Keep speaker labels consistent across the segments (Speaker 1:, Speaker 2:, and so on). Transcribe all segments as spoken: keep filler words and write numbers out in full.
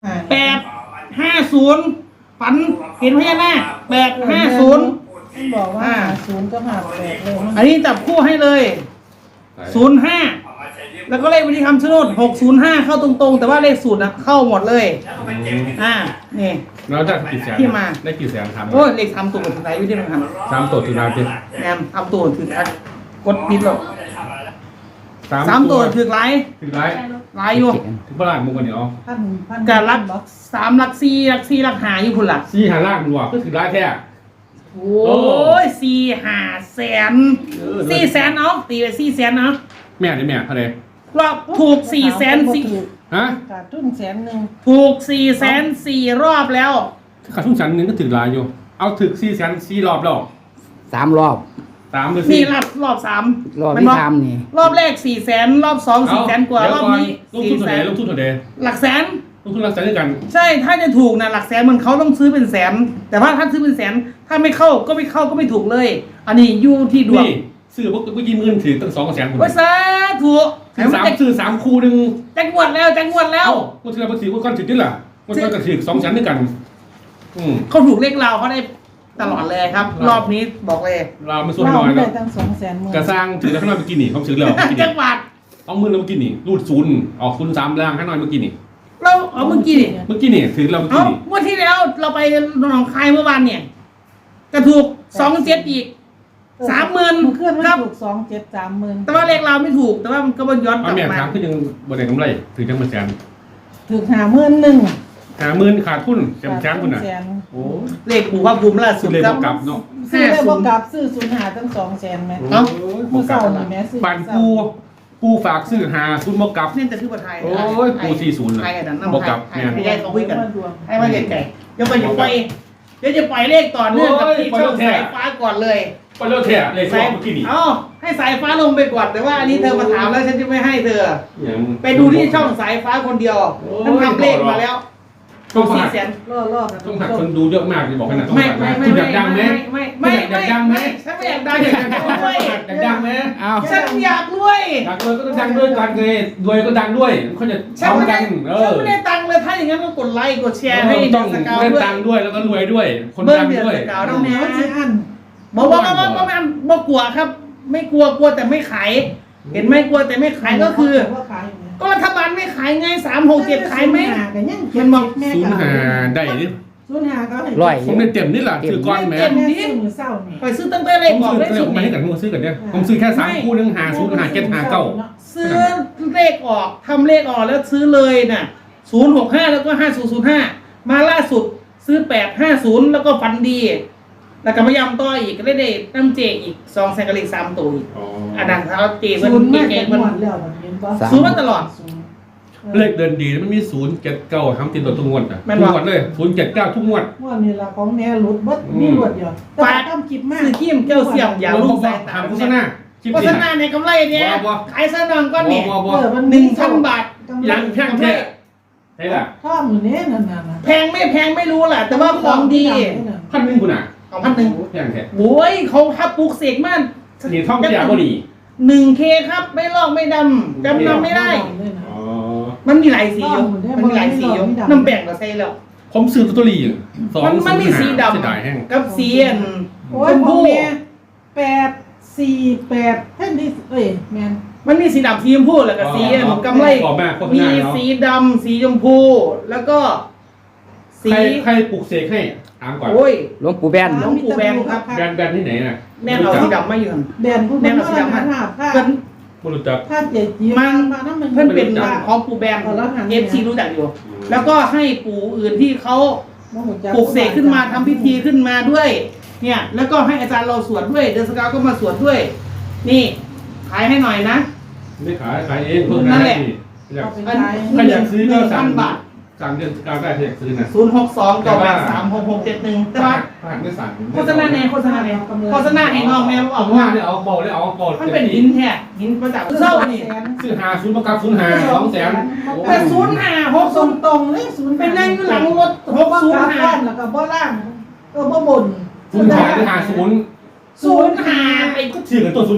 Speaker 1: แปดห้าศูนย์ฝันเห็นพญานาคแปดห้าศูนย์
Speaker 2: ท่านบอกว่าหาศูนย์ก็หาแปดเลย
Speaker 1: อันนี้จับคู่ให้เลยศูนย์ห้าแล้วก็เลขบัญชีคำชะโนดหกศูนย์ห้าเข้าตรงๆแต่ว่าเลขสูตรนะเข้าหมดเลยอ่านี่
Speaker 3: แล้วได้กี่แสน
Speaker 1: ที่มา
Speaker 3: ได้กี่แสนครับ
Speaker 1: โอ้ยเลขทำตัวสุดท้ายอยู่ที่มันทำ
Speaker 3: สามตัวถือดาวเป็น
Speaker 1: แอมทำตัวถือทักกดปิดหรอกสามตัวถือไลน์
Speaker 3: ถือไร
Speaker 1: ไลน์อยู่
Speaker 3: ถือพลังมุกกันเดี๋ยว
Speaker 2: พันพัน
Speaker 1: การรักสามรักสี่รักสี่รักหาอยู่พุ่นละ
Speaker 3: ซี่หาล่างมันวะก็ถือไรแท้
Speaker 1: โอ้ยสี่หาแสนสี่แสนเอาตีไปสี่แสนเอา
Speaker 3: แม่ได้แม่อะไร
Speaker 1: รอบถูกสี่แสนสี่
Speaker 3: ฮะ
Speaker 2: ขาดทุนแสนหนึ่ง
Speaker 1: ถูกสี่แสนสี่รอบแล้ว
Speaker 3: ขาดทุนชั้นหนึ่งก็ถือไรอยู่ เอาถือซี่แสนซี่รอบแล้ว
Speaker 4: สามรอบ
Speaker 3: สามหรือ
Speaker 1: นี่
Speaker 3: สี่
Speaker 1: รอบรอบสาม
Speaker 4: รอบ
Speaker 1: มัน
Speaker 4: ที่
Speaker 1: บอก
Speaker 4: ทำนี่
Speaker 1: รอบแรกสี่แสนรอบสองสี่แสนกว่ารอบนี้
Speaker 3: ลง
Speaker 1: สี่
Speaker 3: ทุนเท่า
Speaker 1: แส
Speaker 3: ไหร่
Speaker 1: น
Speaker 3: ลงทุนเท่าไหร่
Speaker 1: หลักแสน
Speaker 3: ลงทุนรักแสนด้วยกัน
Speaker 1: ใช่ถ้าจะถูกนะหลักแสนมันเขาต้องซื้อเป็นแสน แต่ว่าถ้าซื้อเป็นแสน ถ้าไม่เข้าก็ไม่เข้าก็ไม่ถูกเลย อันนี้อยู่ที่ดวง
Speaker 3: นี่ซื้อพวกพวกยี่หมื่นถือตั้งสองแสนคน
Speaker 1: ว่าสาถูก
Speaker 3: ถือสามซื้อสามคู่หนึ่ง
Speaker 1: จังหวัดแล้วจังหวัดแล้ว
Speaker 3: เอ้าคนถือเราถือคนถือนี่แหละคนถือก็ถือสองแสนด้วยกัน อืม
Speaker 1: เขาถูกเลขเราเขาได้ตลอดเลยครับ รอบนี้บอกเลย
Speaker 3: เราไม่สู้
Speaker 2: เรา
Speaker 3: น้อย
Speaker 2: ไม่ได้
Speaker 3: เนาะ
Speaker 2: ตั้งสองแสนหมื่น
Speaker 3: กระสร้างถือแล้วข้างนอกเมื่อกี้นี่เขาถือแล้วเมื่อกี้
Speaker 1: จั
Speaker 3: นี่
Speaker 1: งหวัด
Speaker 3: เอามือเราเมื่อกี้นี่รูดศูนย์ออกศูนย์สามล่างข้างนอกเมื่อกี้นี่
Speaker 1: เราเอาเมื่อกี้ดิ
Speaker 3: เมื่อกี้นี่ถือเราเมื่อ
Speaker 1: เอา
Speaker 3: กี้นี่
Speaker 1: เมื่อที่แล้วเราไปหนองคายเมื่อวานเนี่ยกระถูกสองเจ็ดอีกสามหมื่น
Speaker 2: เคลื่อนไม่
Speaker 1: ครับ
Speaker 2: ถูกสองเจ็ดสามหมื่น
Speaker 1: แต่ว่าเลขเราไม่ถูก แต่ว่ามันก็บนย้อนก
Speaker 3: เอา
Speaker 1: ลับ
Speaker 3: แม่
Speaker 1: มา
Speaker 3: ถามขึ้นยังบนไหนกำไรถือจังมาแสน
Speaker 2: ถูกหาหมื่นหนึ่ง
Speaker 3: หาหมื่นขาดทุนแสนแสนคุณน่ะ
Speaker 2: แสน
Speaker 3: โอ้
Speaker 1: เลขปู่พระภูมิล่าสุ
Speaker 3: สุ
Speaker 1: ด
Speaker 3: ดเลย
Speaker 1: ครับ
Speaker 3: กลับเนาะ
Speaker 2: ซื้อได้บ่กลับซื้อศูนย์หาตั้งสองแสนไหม
Speaker 1: เอ้า
Speaker 2: มือเศร้านี่แม่ซื้อ
Speaker 3: ปันปูปูฝากซื้อหาคุณมกลับ
Speaker 1: นี่จะคือประไทย
Speaker 3: โอ้ยปู่สี่ศูนย์น่ะ
Speaker 1: ไทยอันนั้นน้ำ
Speaker 3: บอก
Speaker 1: ไท
Speaker 3: กลั
Speaker 1: ย
Speaker 3: บ
Speaker 1: ไทย
Speaker 3: เนี่ย
Speaker 1: ให้ยายเขาคุยกัน
Speaker 2: ดวง
Speaker 1: ให้มาไกลๆเดี๋ยวไปเดี๋ยวไปเดี๋ยวจะปล่อยเลขต่อเนื่องกับที่ช่องสายฟ้าก่อนเลย
Speaker 3: ไปเลิกแท้เลยสองเมื่อกี้นี่
Speaker 1: เอ้าให้สายฟ้าลงไปก่อนแต่ว่าอันนี้เธอมาถามแล้วฉันจะไม่ให้เธอ
Speaker 3: อย่าง
Speaker 1: ไปดูที่ช่องสายฟ้าคนเดียวท่านทำเลขมาแล้ว
Speaker 3: ต้อง
Speaker 1: สี่
Speaker 3: หัก
Speaker 1: แสน
Speaker 2: ล่อล่อกัน
Speaker 3: ต้องหักคนดูเยอะมากเลยบอกขนาดต้อง
Speaker 1: ไม่
Speaker 3: หัก
Speaker 1: ไม่
Speaker 3: นะ
Speaker 1: ไม่
Speaker 3: คุณอ
Speaker 1: ไม่
Speaker 3: ยากดังไหม
Speaker 1: ไม่ไม่
Speaker 3: อยากดังไหม
Speaker 1: ฉันไม่อยากดังอยากดังด้วย
Speaker 3: อยากดังไหม
Speaker 4: เอา
Speaker 1: ฉันอยากรวย
Speaker 3: ดังด้วยก็ต้องดังด้วยกันเลยรวยก็ดังด้วยเขาจะ
Speaker 1: ฉัน
Speaker 3: พร้อม
Speaker 1: ไม่
Speaker 3: กั
Speaker 1: ได้
Speaker 3: นเอ
Speaker 1: ฉัน
Speaker 3: อ
Speaker 1: ไม่ได้ตังค์เลยถ้าอย่างนั้นก็กดไลค์กดแชร์ให้
Speaker 3: ต้อง
Speaker 1: สกาว
Speaker 3: เล่น
Speaker 1: ด้วย
Speaker 3: ดังด้วยแล้วก็รวยด้วย คน
Speaker 1: เบิ้ง
Speaker 3: ดัง
Speaker 1: เดือน
Speaker 3: ด้วย
Speaker 1: สกาว
Speaker 2: เอา
Speaker 1: ต้อง
Speaker 2: แน
Speaker 1: แน่
Speaker 2: วสิอัน
Speaker 1: บอกว่าว่าว่าว่าว่าว่ากลัวครับ ไม่กลัวกลัวแต่ไม่ขาย เห็นไหมกลัวแต่ไม่ขายก็คือ
Speaker 2: ว่าขายอยู่เนี่ย
Speaker 1: ก็รัฐบาลไม่ขายไงสามหกเจ็ดขายไหม
Speaker 2: ศูนหกันยัง
Speaker 1: มันบอก
Speaker 2: แม่
Speaker 3: ศูนย์
Speaker 2: ข
Speaker 3: หาได้นี่
Speaker 2: ศูนย์หาก็ให้
Speaker 4: ร้อย
Speaker 3: ผมได้เต็มนี่แหละถือก้อนแหม
Speaker 2: แม่ซื้อมือเศร้านี่
Speaker 1: ไปซื้อตั้งแต่เล
Speaker 3: ผ
Speaker 1: ข
Speaker 3: ม
Speaker 1: ออก
Speaker 3: ซื้อ
Speaker 1: เลข
Speaker 3: เดี๋
Speaker 1: สุ
Speaker 3: ยว
Speaker 1: ด
Speaker 3: ผมมาให้กับมึงซื้อกันเนี่ยผมซื้อแค่สามคู่หนึงหาศูนย์หาเจ็ดหาเก้า
Speaker 1: ซื้อเลขออกทำเลขออกแล้วซื้อเลยน่ะศูนย์หกห้าแล้วก็ห้าศูนย์ศูนย์ห้ามาล่าสุดซื้อแปดห้าศูนย์แล้วก็ฟันดี แล้วก็พยายามต่ออีกก็ได้ได้น้ำเจอีกสองแสนกะลิกสามตัวอีก
Speaker 3: อ๋อ
Speaker 1: อันนั้นเขาเจมัน
Speaker 2: ศูนย์มา
Speaker 1: เก่
Speaker 2: จาก
Speaker 1: งๆ
Speaker 2: ห
Speaker 1: มัน
Speaker 2: มดแล้วมันเห็นปะ
Speaker 1: ซื้อมาตลอด
Speaker 2: ศูนย์
Speaker 3: เลขเดินดีมันมีศูนย์เจ็ดเก้าทำติดตัวทุกงวดอ่ะ
Speaker 1: แม่น
Speaker 3: ทุ
Speaker 1: บ่
Speaker 3: กงวดเลยศูนย์เจ็ดเก้าทุกงวด
Speaker 2: ว่านี่ละของแน่หลุดบดมีหลุดเดียวแต่ว่าต้องคิดมาก
Speaker 1: ซื้อขี้มเจ้าเสี่ยมอย่าลูกสายตา
Speaker 3: ทำโฆษณาคลิป
Speaker 1: โฆ
Speaker 3: นี้
Speaker 1: ษณาในกำไรเนี่ย
Speaker 3: บ่บ่
Speaker 1: ขายซะนองก้อนเนี่ย
Speaker 3: บ่บ่
Speaker 2: เออมัน
Speaker 1: หนึ่งพันบาท
Speaker 3: ยังแพงแท้ใช่ล่ะ
Speaker 2: ถ้ามือเนี้ยนั่นน่ะนะ
Speaker 1: แพงไม่แพงไม่รู้แหละแต่ว่าของดี
Speaker 3: พันหนึ่งคุณอ่ะ
Speaker 1: ของพันหนึ่ง
Speaker 3: แพงแท้
Speaker 1: โอ้ยเขาทับปลูกเสกมาก
Speaker 3: นี่ท่องเที่ยวก็ดี
Speaker 1: หนึ่งเคครับไม่ลอกไม่ดำจำนำไม่ได้
Speaker 3: อ๋อ
Speaker 1: มันมีหลายสีอยู่มันมีหลายสีอยู่น้ำแบ่งก็ใส่แล้ว
Speaker 3: ผมซื้อตัวตัวรีสอง
Speaker 1: มันมันมีสีด
Speaker 3: เสียดายแห้ง
Speaker 1: ำกับสีอัน
Speaker 2: โอ้
Speaker 1: ช
Speaker 2: ย
Speaker 1: ม
Speaker 2: ของ
Speaker 1: พู
Speaker 2: แม่แปดสี่แปดแท่นที่เอ้ยแมน
Speaker 1: มันมีสีดำสีชมพูแล้วก็สีอันกำไร
Speaker 3: บอกแม่โฆษ
Speaker 1: มี
Speaker 3: ณาเนาะ
Speaker 1: สีดำสีชมพู แล้วก็ สี
Speaker 3: ใครใครปลูกเสกให้ถามก่อน
Speaker 1: โอ้ย
Speaker 4: หลวงปู่แบน
Speaker 1: หลวงปู่แบนครับ
Speaker 3: แบรนด์แบรนด์ที่ไหนน่ะ
Speaker 1: แน่นเอาสีดำมาอยู่หั่น
Speaker 2: แดนผู้
Speaker 1: แน่
Speaker 2: เป็น
Speaker 1: นเอาสี
Speaker 2: มา
Speaker 1: ดำมา
Speaker 2: หาผ้า
Speaker 1: เพิ่น
Speaker 3: ไม่รู้จัก
Speaker 2: ผ้าเจ็ดจี
Speaker 1: มัน
Speaker 2: ผ้าน้ำมัน
Speaker 1: เพิ่นเป็นของปู่แบนเอฟซีรู้จักอยู่ แล้วก็ให้ปู่อื่นที่เขาปลูกเสกขึ้นมาทำพิธีขึ้นมาด้วย เนี่ย แล้วก็ให้อาจารย์เราสวดด้วย เดอนสกาวก็มาสวดด้วย นี่ขายให้หน่อยนะ
Speaker 3: ไม่ขายขายเองเพิ่ม
Speaker 1: นั่นแหละ
Speaker 3: อยาก
Speaker 2: เอาไปขาย
Speaker 3: ใครอยากซื้อก็สั่ง
Speaker 1: พันบาท
Speaker 3: สั่งเดือนกลางได้ถ้าอยากซื้อนะ
Speaker 1: ศูนย์หกสองเก้าแปดสามหกหกเจ็ดหนึ่งแต่ว่า
Speaker 3: ผ่านไม่สั่ง
Speaker 1: โฆษณาในโฆษณาในโฆษณาให้น้องแม่บอ
Speaker 3: เอา
Speaker 1: ก
Speaker 3: ว่า
Speaker 1: ว่า
Speaker 3: เนี่ยเอาบอกเลยเอาบอก
Speaker 1: มันเป็นหินแท้หินมาจากเศร้านี่
Speaker 3: ซื้อหาศูนย์ประกับศูนย์หาสองแสน
Speaker 1: แต่ศูนย์ห้าหก
Speaker 2: ต
Speaker 1: ศู
Speaker 2: ร
Speaker 1: น
Speaker 2: ง
Speaker 1: ย์
Speaker 2: ตรงเลยศูนย์
Speaker 1: เป็นนั่งอยู่หลังรถหก
Speaker 2: บ่
Speaker 1: ศูน
Speaker 2: ก
Speaker 1: ย์
Speaker 2: ราบ
Speaker 1: ห้า
Speaker 2: บ้านแล้วก็บ่ล่างก็บ่บน
Speaker 3: ศูนย์หาหรือหาศูนย์
Speaker 1: ศูนย์ห้าไป
Speaker 3: ก็ชื่อกันต้นศูนย์หา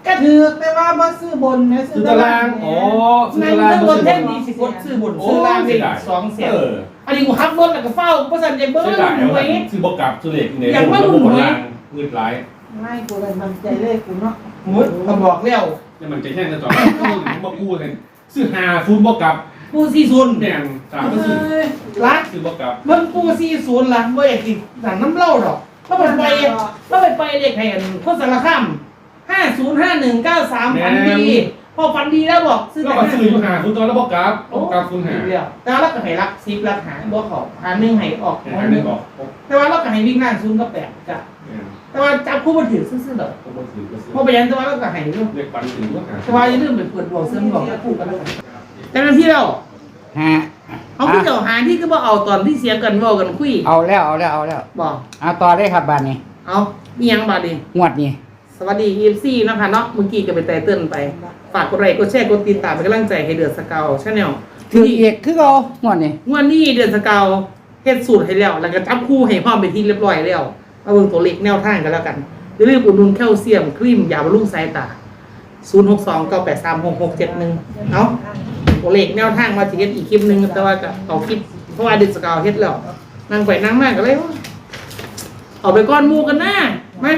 Speaker 2: ก็ถือแต่ว่าบ่ซื้อบนนะ
Speaker 3: ซื้อตารางอ๋อซื้อ
Speaker 1: ใน
Speaker 3: ตาราง
Speaker 1: ตำบล
Speaker 3: ซื้อ
Speaker 1: แท่น
Speaker 3: ตาราง
Speaker 1: ดีสิกดซื้อบนซื้อล่างได้สองแสน
Speaker 3: เออ
Speaker 1: อันนี้กูขับรถแล้วก็เฝ้าเพราะสันใจเบิ้ล
Speaker 3: ซื้อหลาย
Speaker 1: หวย
Speaker 3: ซื้อบอกกลับซื้อเหล็กเนี่ย
Speaker 1: อยากว่า
Speaker 3: ระบบ
Speaker 1: หน่วย
Speaker 3: รางเงินหลาย
Speaker 2: ไม่กูเลยมันใจเลขกูเนาะ
Speaker 1: มุดก็บอกแล้ว
Speaker 3: เนี่ยมันจะแย่งกันต่อมาพูดเลยซื้อหาฟูนบอกกลับ
Speaker 1: กูสี่ศูนย์
Speaker 3: แม่งสามก็ซื้อ
Speaker 1: รัก
Speaker 3: ซื้อบอกกลับ
Speaker 1: เบิ้งกูสี่ศูนย์ล่ะบ่อยากกินหนังน้ำเหล้าดอกเราไปไปเราไปไปเด็กให้กันโคตรสารคามห้าศูนย์ห้าหนึ่งเก้าสามฝันดีพอฝันดีแล้วบอกซื้อ
Speaker 3: ก็
Speaker 1: แต่
Speaker 3: มาซื้ออยู่หาฟูนตอนแล้วบอกกลับบอกกลับฟูนหา
Speaker 1: เดียวแต่ว่าเราก็ให้รักซิปรักหาบ่เขาหาหนึ่งให้ออก
Speaker 3: หาหนึ่งออก
Speaker 1: แต่ว่าเราก็ให้วิ่งล่างศูนย์กับแปดจ้ะแต่ว่าจับคู่มาถือซื่อๆดอก
Speaker 3: ผมก็ซื้อก็ซื้อ
Speaker 1: พอไปยันแต่ว่าเราก็ให้เรื่อง
Speaker 3: เรียกปันถือว่าหา
Speaker 1: แต่ว่าอย่าลืมไปเปิดดวงเสริมดวงกับคู่กันแล้วกันแต่นั้นที่เรา
Speaker 4: ฮะ
Speaker 1: เอาพี่เจ้าหาที่ก็บ่เอาตอนที่เสียงกันเว้ากันคุย
Speaker 4: เอาแล้วเอาแล้วเอาแล้ว
Speaker 1: บอก
Speaker 4: เอาต่อได้ครับบานนี้
Speaker 1: เอามียังบาดนี้
Speaker 4: งวดนี้
Speaker 1: สวัสดี อี เอ็ม ซี นะคะเนาะเมื่อกี้ก็ไปแต่เตือนไป ฝากกดไลค์กดแชร์กดติดตามเป็นกำลังใจให้เดือดสเกาวชาแนล
Speaker 4: ถือเอกคือเอางวดนี้
Speaker 1: งวดนี้เดือดสเกาวเฮ็ดสูตรให้แล้ว แล้วก็จับคู่ให้พร้อมไปนที่เรียบร้อยแล้วมาเบิ่งตัวเลขแนวทางกันแล้วกันอย่าลืมอุดหนุนแคลเซียมครีมยาบำรุงสายตา ศูนย์ หก สอง เก้า แปด สาม หก หก เจ็ด หนึ่ง เนาะตัวเลขแนวทางมาสิเฮ็ดอีกคลิปหนึงแต่ว่าก็เอาคลิปเพราะว่าเดือดสเกาวเฮ็ดแล้วนั่งไปนั่งมาก็เลยว่าเอาไปก้อนหมู่กันนะมา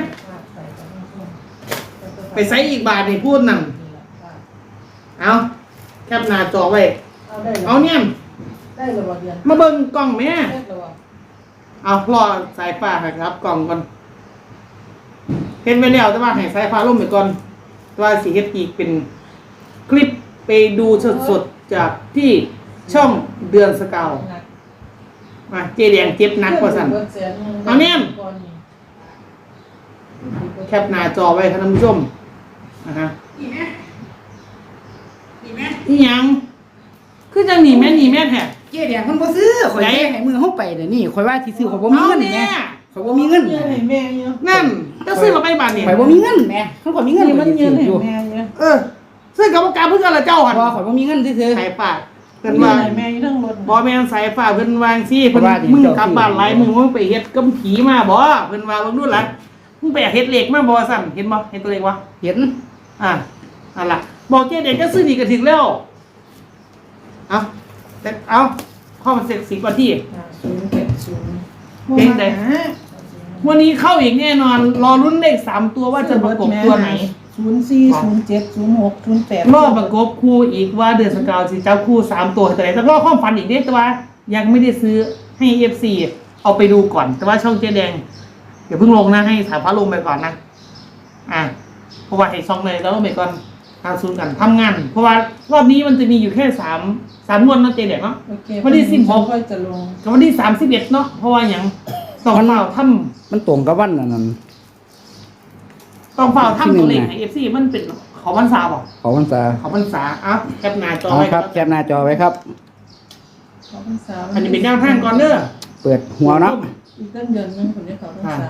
Speaker 1: ไปใส่อีกบาทนี่พูดนั่นเอาแคปหน้าจอไว้
Speaker 2: เอาได้
Speaker 1: เอาเนี่ย
Speaker 2: ได้เลยบ่เดือน
Speaker 1: มาเบิ่งกล่องแม่
Speaker 2: ได้เลยบ่
Speaker 1: เอารอสายฟ้าให้ครับ กล่องก่อนเห็นไปแล้วแต่ว่าให้สายฟ้าล่มไปก่อนแต่ว่าสิเฮ็ดอีกเป็นคลิปไปดูสดๆจากที่ช่องเดือนสเกาวมาเจแดงเจ็บหนักกว่าสั่น เอาเนี่ย แคปหน้าจอไว้ครับท่านผู้ชมนะฮะ
Speaker 4: นี่แม่นี่แม่
Speaker 1: นี่ยังคือจังหนีแม่หนีแม่แท้
Speaker 4: เจ๊แดงคนบ่ซื้อข่อย
Speaker 1: ไหน
Speaker 4: ให้มือเฮาไปเดี๋ยวนี้ข่อยว่าที่ซื้อข่อยบ่มี
Speaker 1: เอา
Speaker 4: เงิน
Speaker 1: เนี่
Speaker 4: แม่
Speaker 1: ย
Speaker 4: ข่อยบ่มีเงิน
Speaker 2: เงินให้แม่เยอะ
Speaker 1: นั่นจะซื้อเราไปบาทเนี่ย
Speaker 4: ข่อยบ่มีเงินแม่คันข่อยมีเงิน
Speaker 2: นี่
Speaker 4: ข่
Speaker 2: มั
Speaker 4: อน ยสิ
Speaker 2: เงิน
Speaker 4: ซื้อ
Speaker 2: ให้
Speaker 4: อยู่
Speaker 2: แม่เยอะ
Speaker 1: เออซื้อกับการเพื่อนละเจ้าหัน
Speaker 4: บ่ข่อยบ่มีเงินซื่อ
Speaker 1: สายฝากเพิ่น
Speaker 2: เงิ
Speaker 1: ว่าน
Speaker 2: ให้แม่เรื่องรถ
Speaker 1: บ่แม่นสายฝากเพิ่นวางซี่เพิ่น
Speaker 4: ว่าดิ
Speaker 1: มึง
Speaker 4: เจ้าก
Speaker 1: ลับบ้านหลายมึงมึงไปเฮ็ดกำผีมาบ่เพิ่นว่าเบิ่งดูล่ะมึงไปเฮ็ดเหล็กมาบ่สั่นเห็นบ่เห็นตัวเลขวะ
Speaker 4: ๆเห็น
Speaker 1: อ่ะนั่นล่ะบอกเจ๊เด็กก็ซื้อนี่ก็ถึงแล้วเอาแต่เอาข้อมันเสร็จสิบกว่าที่
Speaker 2: ศูนย์เจ็ดศูนย์
Speaker 1: เพลงใด วันนี้เข้าอีกแน่นอน รอรุ่นเลขสามตัวว่าจะประกบตัวไหน
Speaker 2: ศูนย์สี่ศูนย์เจ็ดศูนย์หกศูนย์แปด
Speaker 1: รอบประกบคู่อีกว่าเดือนสกาวสิเจ้าคู่สามตัวแต่ไหนแต่รอบความฝันอีกเด้แต่ว่ายังไม่ได้ซื้อให้เอฟซีเอาไปดูก่อน แต่ว่าช่องเจ๊แดงเดี๋ยวเพิ่งลงนะให้สายฟ้าลงไปก่อนนะอ่ะเพราะว่าให้ช่องเลยแล้วลงไปก่อนทางซูนกันทำงาน เพราะว่ารอบนี้มันจะมีอยู่แค่สามสามงวดเนาะเจ๊แดงเนาะ
Speaker 2: โอเค
Speaker 1: วันที่สิบหก
Speaker 2: ค่อยจะลง
Speaker 1: กับวันที่สามสิบเอ็ดเนาะเพราะว่าอย่างต้องเฝ้าทำ
Speaker 4: มันตรงกับวันนั้นนั่น
Speaker 1: ต้องเฝ้าทำ
Speaker 4: ที่หนึ่
Speaker 1: ตัว
Speaker 4: ง
Speaker 1: เลข
Speaker 4: น่ะ
Speaker 1: ให้เอฟซีมันเป็นเขาพรรษาบ่
Speaker 4: เขาพรรษา
Speaker 1: เขาพรรษาอ่ะแคปหน้าจอ
Speaker 4: เอา
Speaker 1: ไว้
Speaker 4: ครับแคปหน้าจอไว้ครับ
Speaker 2: ขอพรรษา
Speaker 1: อันนี้เป็นแนวทางก่อนเด้อ
Speaker 4: เปิดหัวเนาะ
Speaker 2: อีกตั้งเดือนหนึงคนนี้เขาพรรษา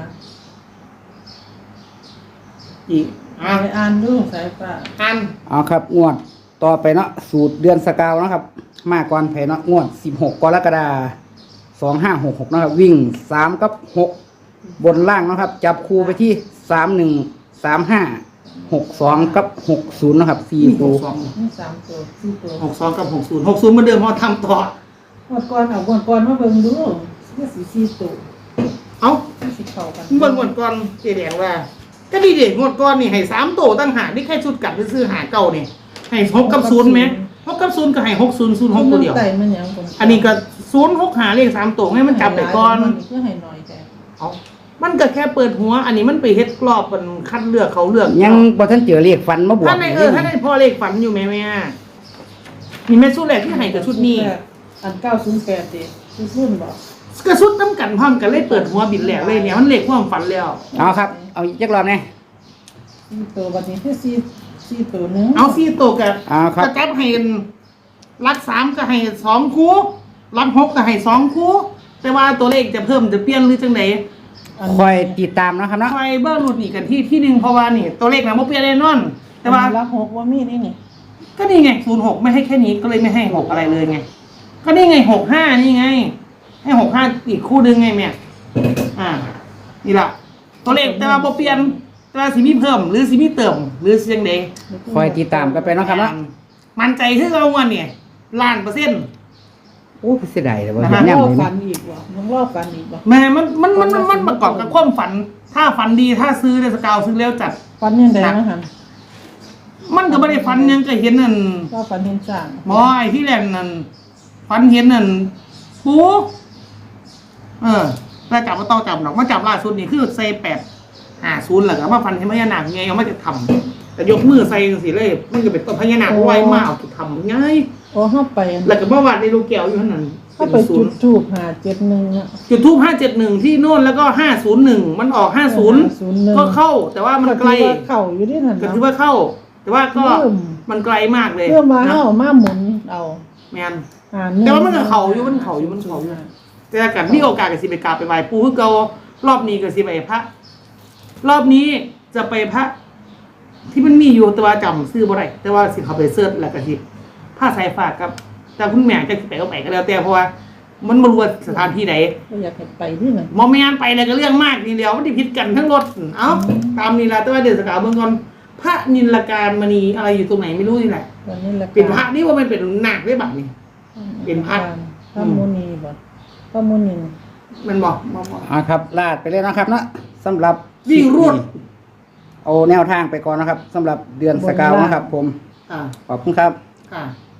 Speaker 1: อีกอ่ะ
Speaker 2: ไปอ่านดูสายฟ้า
Speaker 1: อัน
Speaker 4: เอาครับงวดต่อไปเนาะสูตรเดือนสกาวเนาะครับ มาก่อนไผเนาะงวดสิบหกกรกฎาคมสองห้าหกหกนะครับวิ่งสามกับหกบนล่างเนาะครับ จับคู่ไปที่สามหนึ่งสามห้าหกสองกับหกศูนย์นะครับสี่
Speaker 1: นี่ห
Speaker 4: คู่
Speaker 1: กสอง
Speaker 2: นี่สามตัวสี่ตัว
Speaker 1: หกสองกับหกศูนย์หกศูนย์เหมือนเดิมเพราะทำต่อ
Speaker 2: งวดก่อนเอางวดก่อนมาเบิ่งดูนี่สีสี่ตัว
Speaker 1: เอ้า
Speaker 2: สีเข้ากัน
Speaker 1: เบิ่งงวดก่อนเจ๊แดงว่า ก็ดีเด็กงวดก่อนนี่ให้สามโตตั้งหากนี่แค่ชุดกัดไปซื้อหาเก่านี่ให้หกกับศูนย์ไหมหกกับศูนย์ก็ให้หกศูนย์ศูนย์หกตัวเดียว
Speaker 2: ไต่มันหยังคน
Speaker 1: อันนี้ก็ศูนย์หกหาเลขสามตัวให้มันจับไปก่อน
Speaker 2: เพื่อให้หน่อยแต่
Speaker 1: เอามันก็แค่เปิดหัว อันนี้มันไปเฮ็ดกรอบมันคัดเลือกเขาเลือก
Speaker 4: ยังบ่ทันเจอเลขฟันมาบวก
Speaker 1: ท่านในเออท่านในพ่อเลขฝันอยู่ไหมแม่มีแม่ชุดแรกที่ให้กับชุดนี้
Speaker 2: อันเก้าศูนย์แปดดิชุดรุ่นบอก
Speaker 1: กระชุดน้ำกันพร้อมกันเลยเปิดหัวบินแหลกเลยเนี่ยมันเลขความฝันแล้ว
Speaker 4: เอาครับ เอาอีกจักรอบแน่
Speaker 2: สี่ตัวบัดนี้คือสี่สี่ตัวหนึง
Speaker 1: เอาซี่ตัวกับ
Speaker 4: เอาครับ
Speaker 1: กระจับให้รักสามก็ให้สองคู่รักหกก็ให้สองคู่แต่ว่าตัวเลขจะเพิ่มจะเปลี่ยนหรือจังไหน
Speaker 4: คอยติดตามเนาะครับเนาะ
Speaker 1: ไฟเบอร์หลุดนี่กันที่ที่หนึ่งเพราะว่านี่ ตัวเลขนะโมเปลี่ยนแน่นอน แต่ว่า
Speaker 2: รักหกว่ามีนี่นี่
Speaker 1: ก็นี่ไงศูนย์หกไม่ให้แค่นี้ก็เลยไม่ให้หกอะไรเลยไง ก็นี่ไงหกห้านี่ไง ให้หกห้าอีกคู่หนึ่งไงแม่อ่านี่ละตัวเลขแต่ว่าโมเปลี่ยนแต่ว่าสิมีเพิ่มหรือสิมีเติมหรือสิยังไง
Speaker 4: คอยติดตามกันไปเนาะครับเนาะ
Speaker 1: มันใจคือเอาวันเนี่ยล้านเปอร์เซ็นต์
Speaker 4: โอ้เสียดายเลยว่า
Speaker 1: นะ
Speaker 4: เห็
Speaker 1: ฮะ
Speaker 4: นแนว
Speaker 2: รอบ
Speaker 4: เลย
Speaker 2: ฝั
Speaker 4: นะ
Speaker 2: นอีกว่ะยังรอบฝันอีกว่ะ
Speaker 1: แม่มันมันมันมันมันประกอบกับความฝัน ถ้าฝันดีถ้าซื้อเดสกาวซื้อแล้วจัด
Speaker 2: ฝันยังไงนะฮัน
Speaker 1: มันก็ไม่ได้ฝันยังก็เห็นนั่น
Speaker 2: ว่าฝันเห็นสร้าง
Speaker 1: บอยที่แรกนั่นฝันเห็นนั่นปูเออแล้วจับมาต้องจับหนอกมาจับล่าสุดนี่คือใส่แปดห้าศูนย์แหละครับว่าฟันเห็นพญานาคไงเอามาจะทำแต่ยกมือใส่สิเลยมันก็เป็นต้นพญานาคไวมากเอาไปทำง่าย
Speaker 2: โอ้เข้าไป
Speaker 1: แล้วก็เมื่อวานในลูกแก้วอยู่ท่านั้น
Speaker 2: เข้าไปจุดทูบหาเจ็ดหนึ่งอ่ะ
Speaker 1: จุดทูบห้าเจ็ดหนึ่งที่โน่นแล้วก็ห้าศูนย์หนึ่งมันออกห้าศูนย์ก็เข้า แต่ว่ามันไกล
Speaker 2: เข่าอยู่ที่นั่น
Speaker 1: ก็
Speaker 2: เนาะ
Speaker 1: ถือว่าเข้า แต่ว่าก็
Speaker 2: เริ่ม
Speaker 1: มันไกลมากเลย
Speaker 2: เพื่อมา
Speaker 1: นะ
Speaker 2: เอามาหมุนเอา
Speaker 1: แมน
Speaker 2: อ่า
Speaker 1: แต่ว่ามันก็เข่าอยู่มันเข่าอยู่มันเข่าอยู่ แต่ถ้าเกิดมีโอกาสกับสิไปกราบไปไหว้ปู่คือเก่ารอบนี้ก็สิไปพระ รอบนี้จะไปพระ ที่มันมีอยู่แต่ว่าจำซื้อบ่ได้แต่ว่าสิเขาไปเสิร์ชแล้วก็สิผ้าสายฝากกับแต่คุณแม่จะไปก็ไปก็แล้วแต่เพราะว่า มันบ่รู้ว่าสถานที่ไหน
Speaker 2: ก็อยากให้ไปที่นั่น
Speaker 1: มอไม่งานไปเลยก็เรื่องมากนี่เดียวมันที่ผิดกันทั้งรถเอ้าตามนี่ละแต่ว่าเดือนสกาวเมืองก่อนพระนิลการมณีอะไรอยู่ตรงไหนไม่รู้นี่แหละ
Speaker 2: วันนี้ละ
Speaker 1: เป็นพระนี่ว่ามันเป็นหนักได้บัดนี่ เป็นพระ
Speaker 2: พระมุนีบ่พระมุนี
Speaker 1: มันบอกบอกบอก
Speaker 4: อ่าครับลาดไปเลยนะครับเนาะสำหรับ
Speaker 1: วิ่งรวด
Speaker 4: เอาแนวทางไปก่อนนะครับสำหรับเดือนสกาวนะครับ ผม
Speaker 1: อ่า
Speaker 4: ขอบคุณครับ
Speaker 1: ค่ะ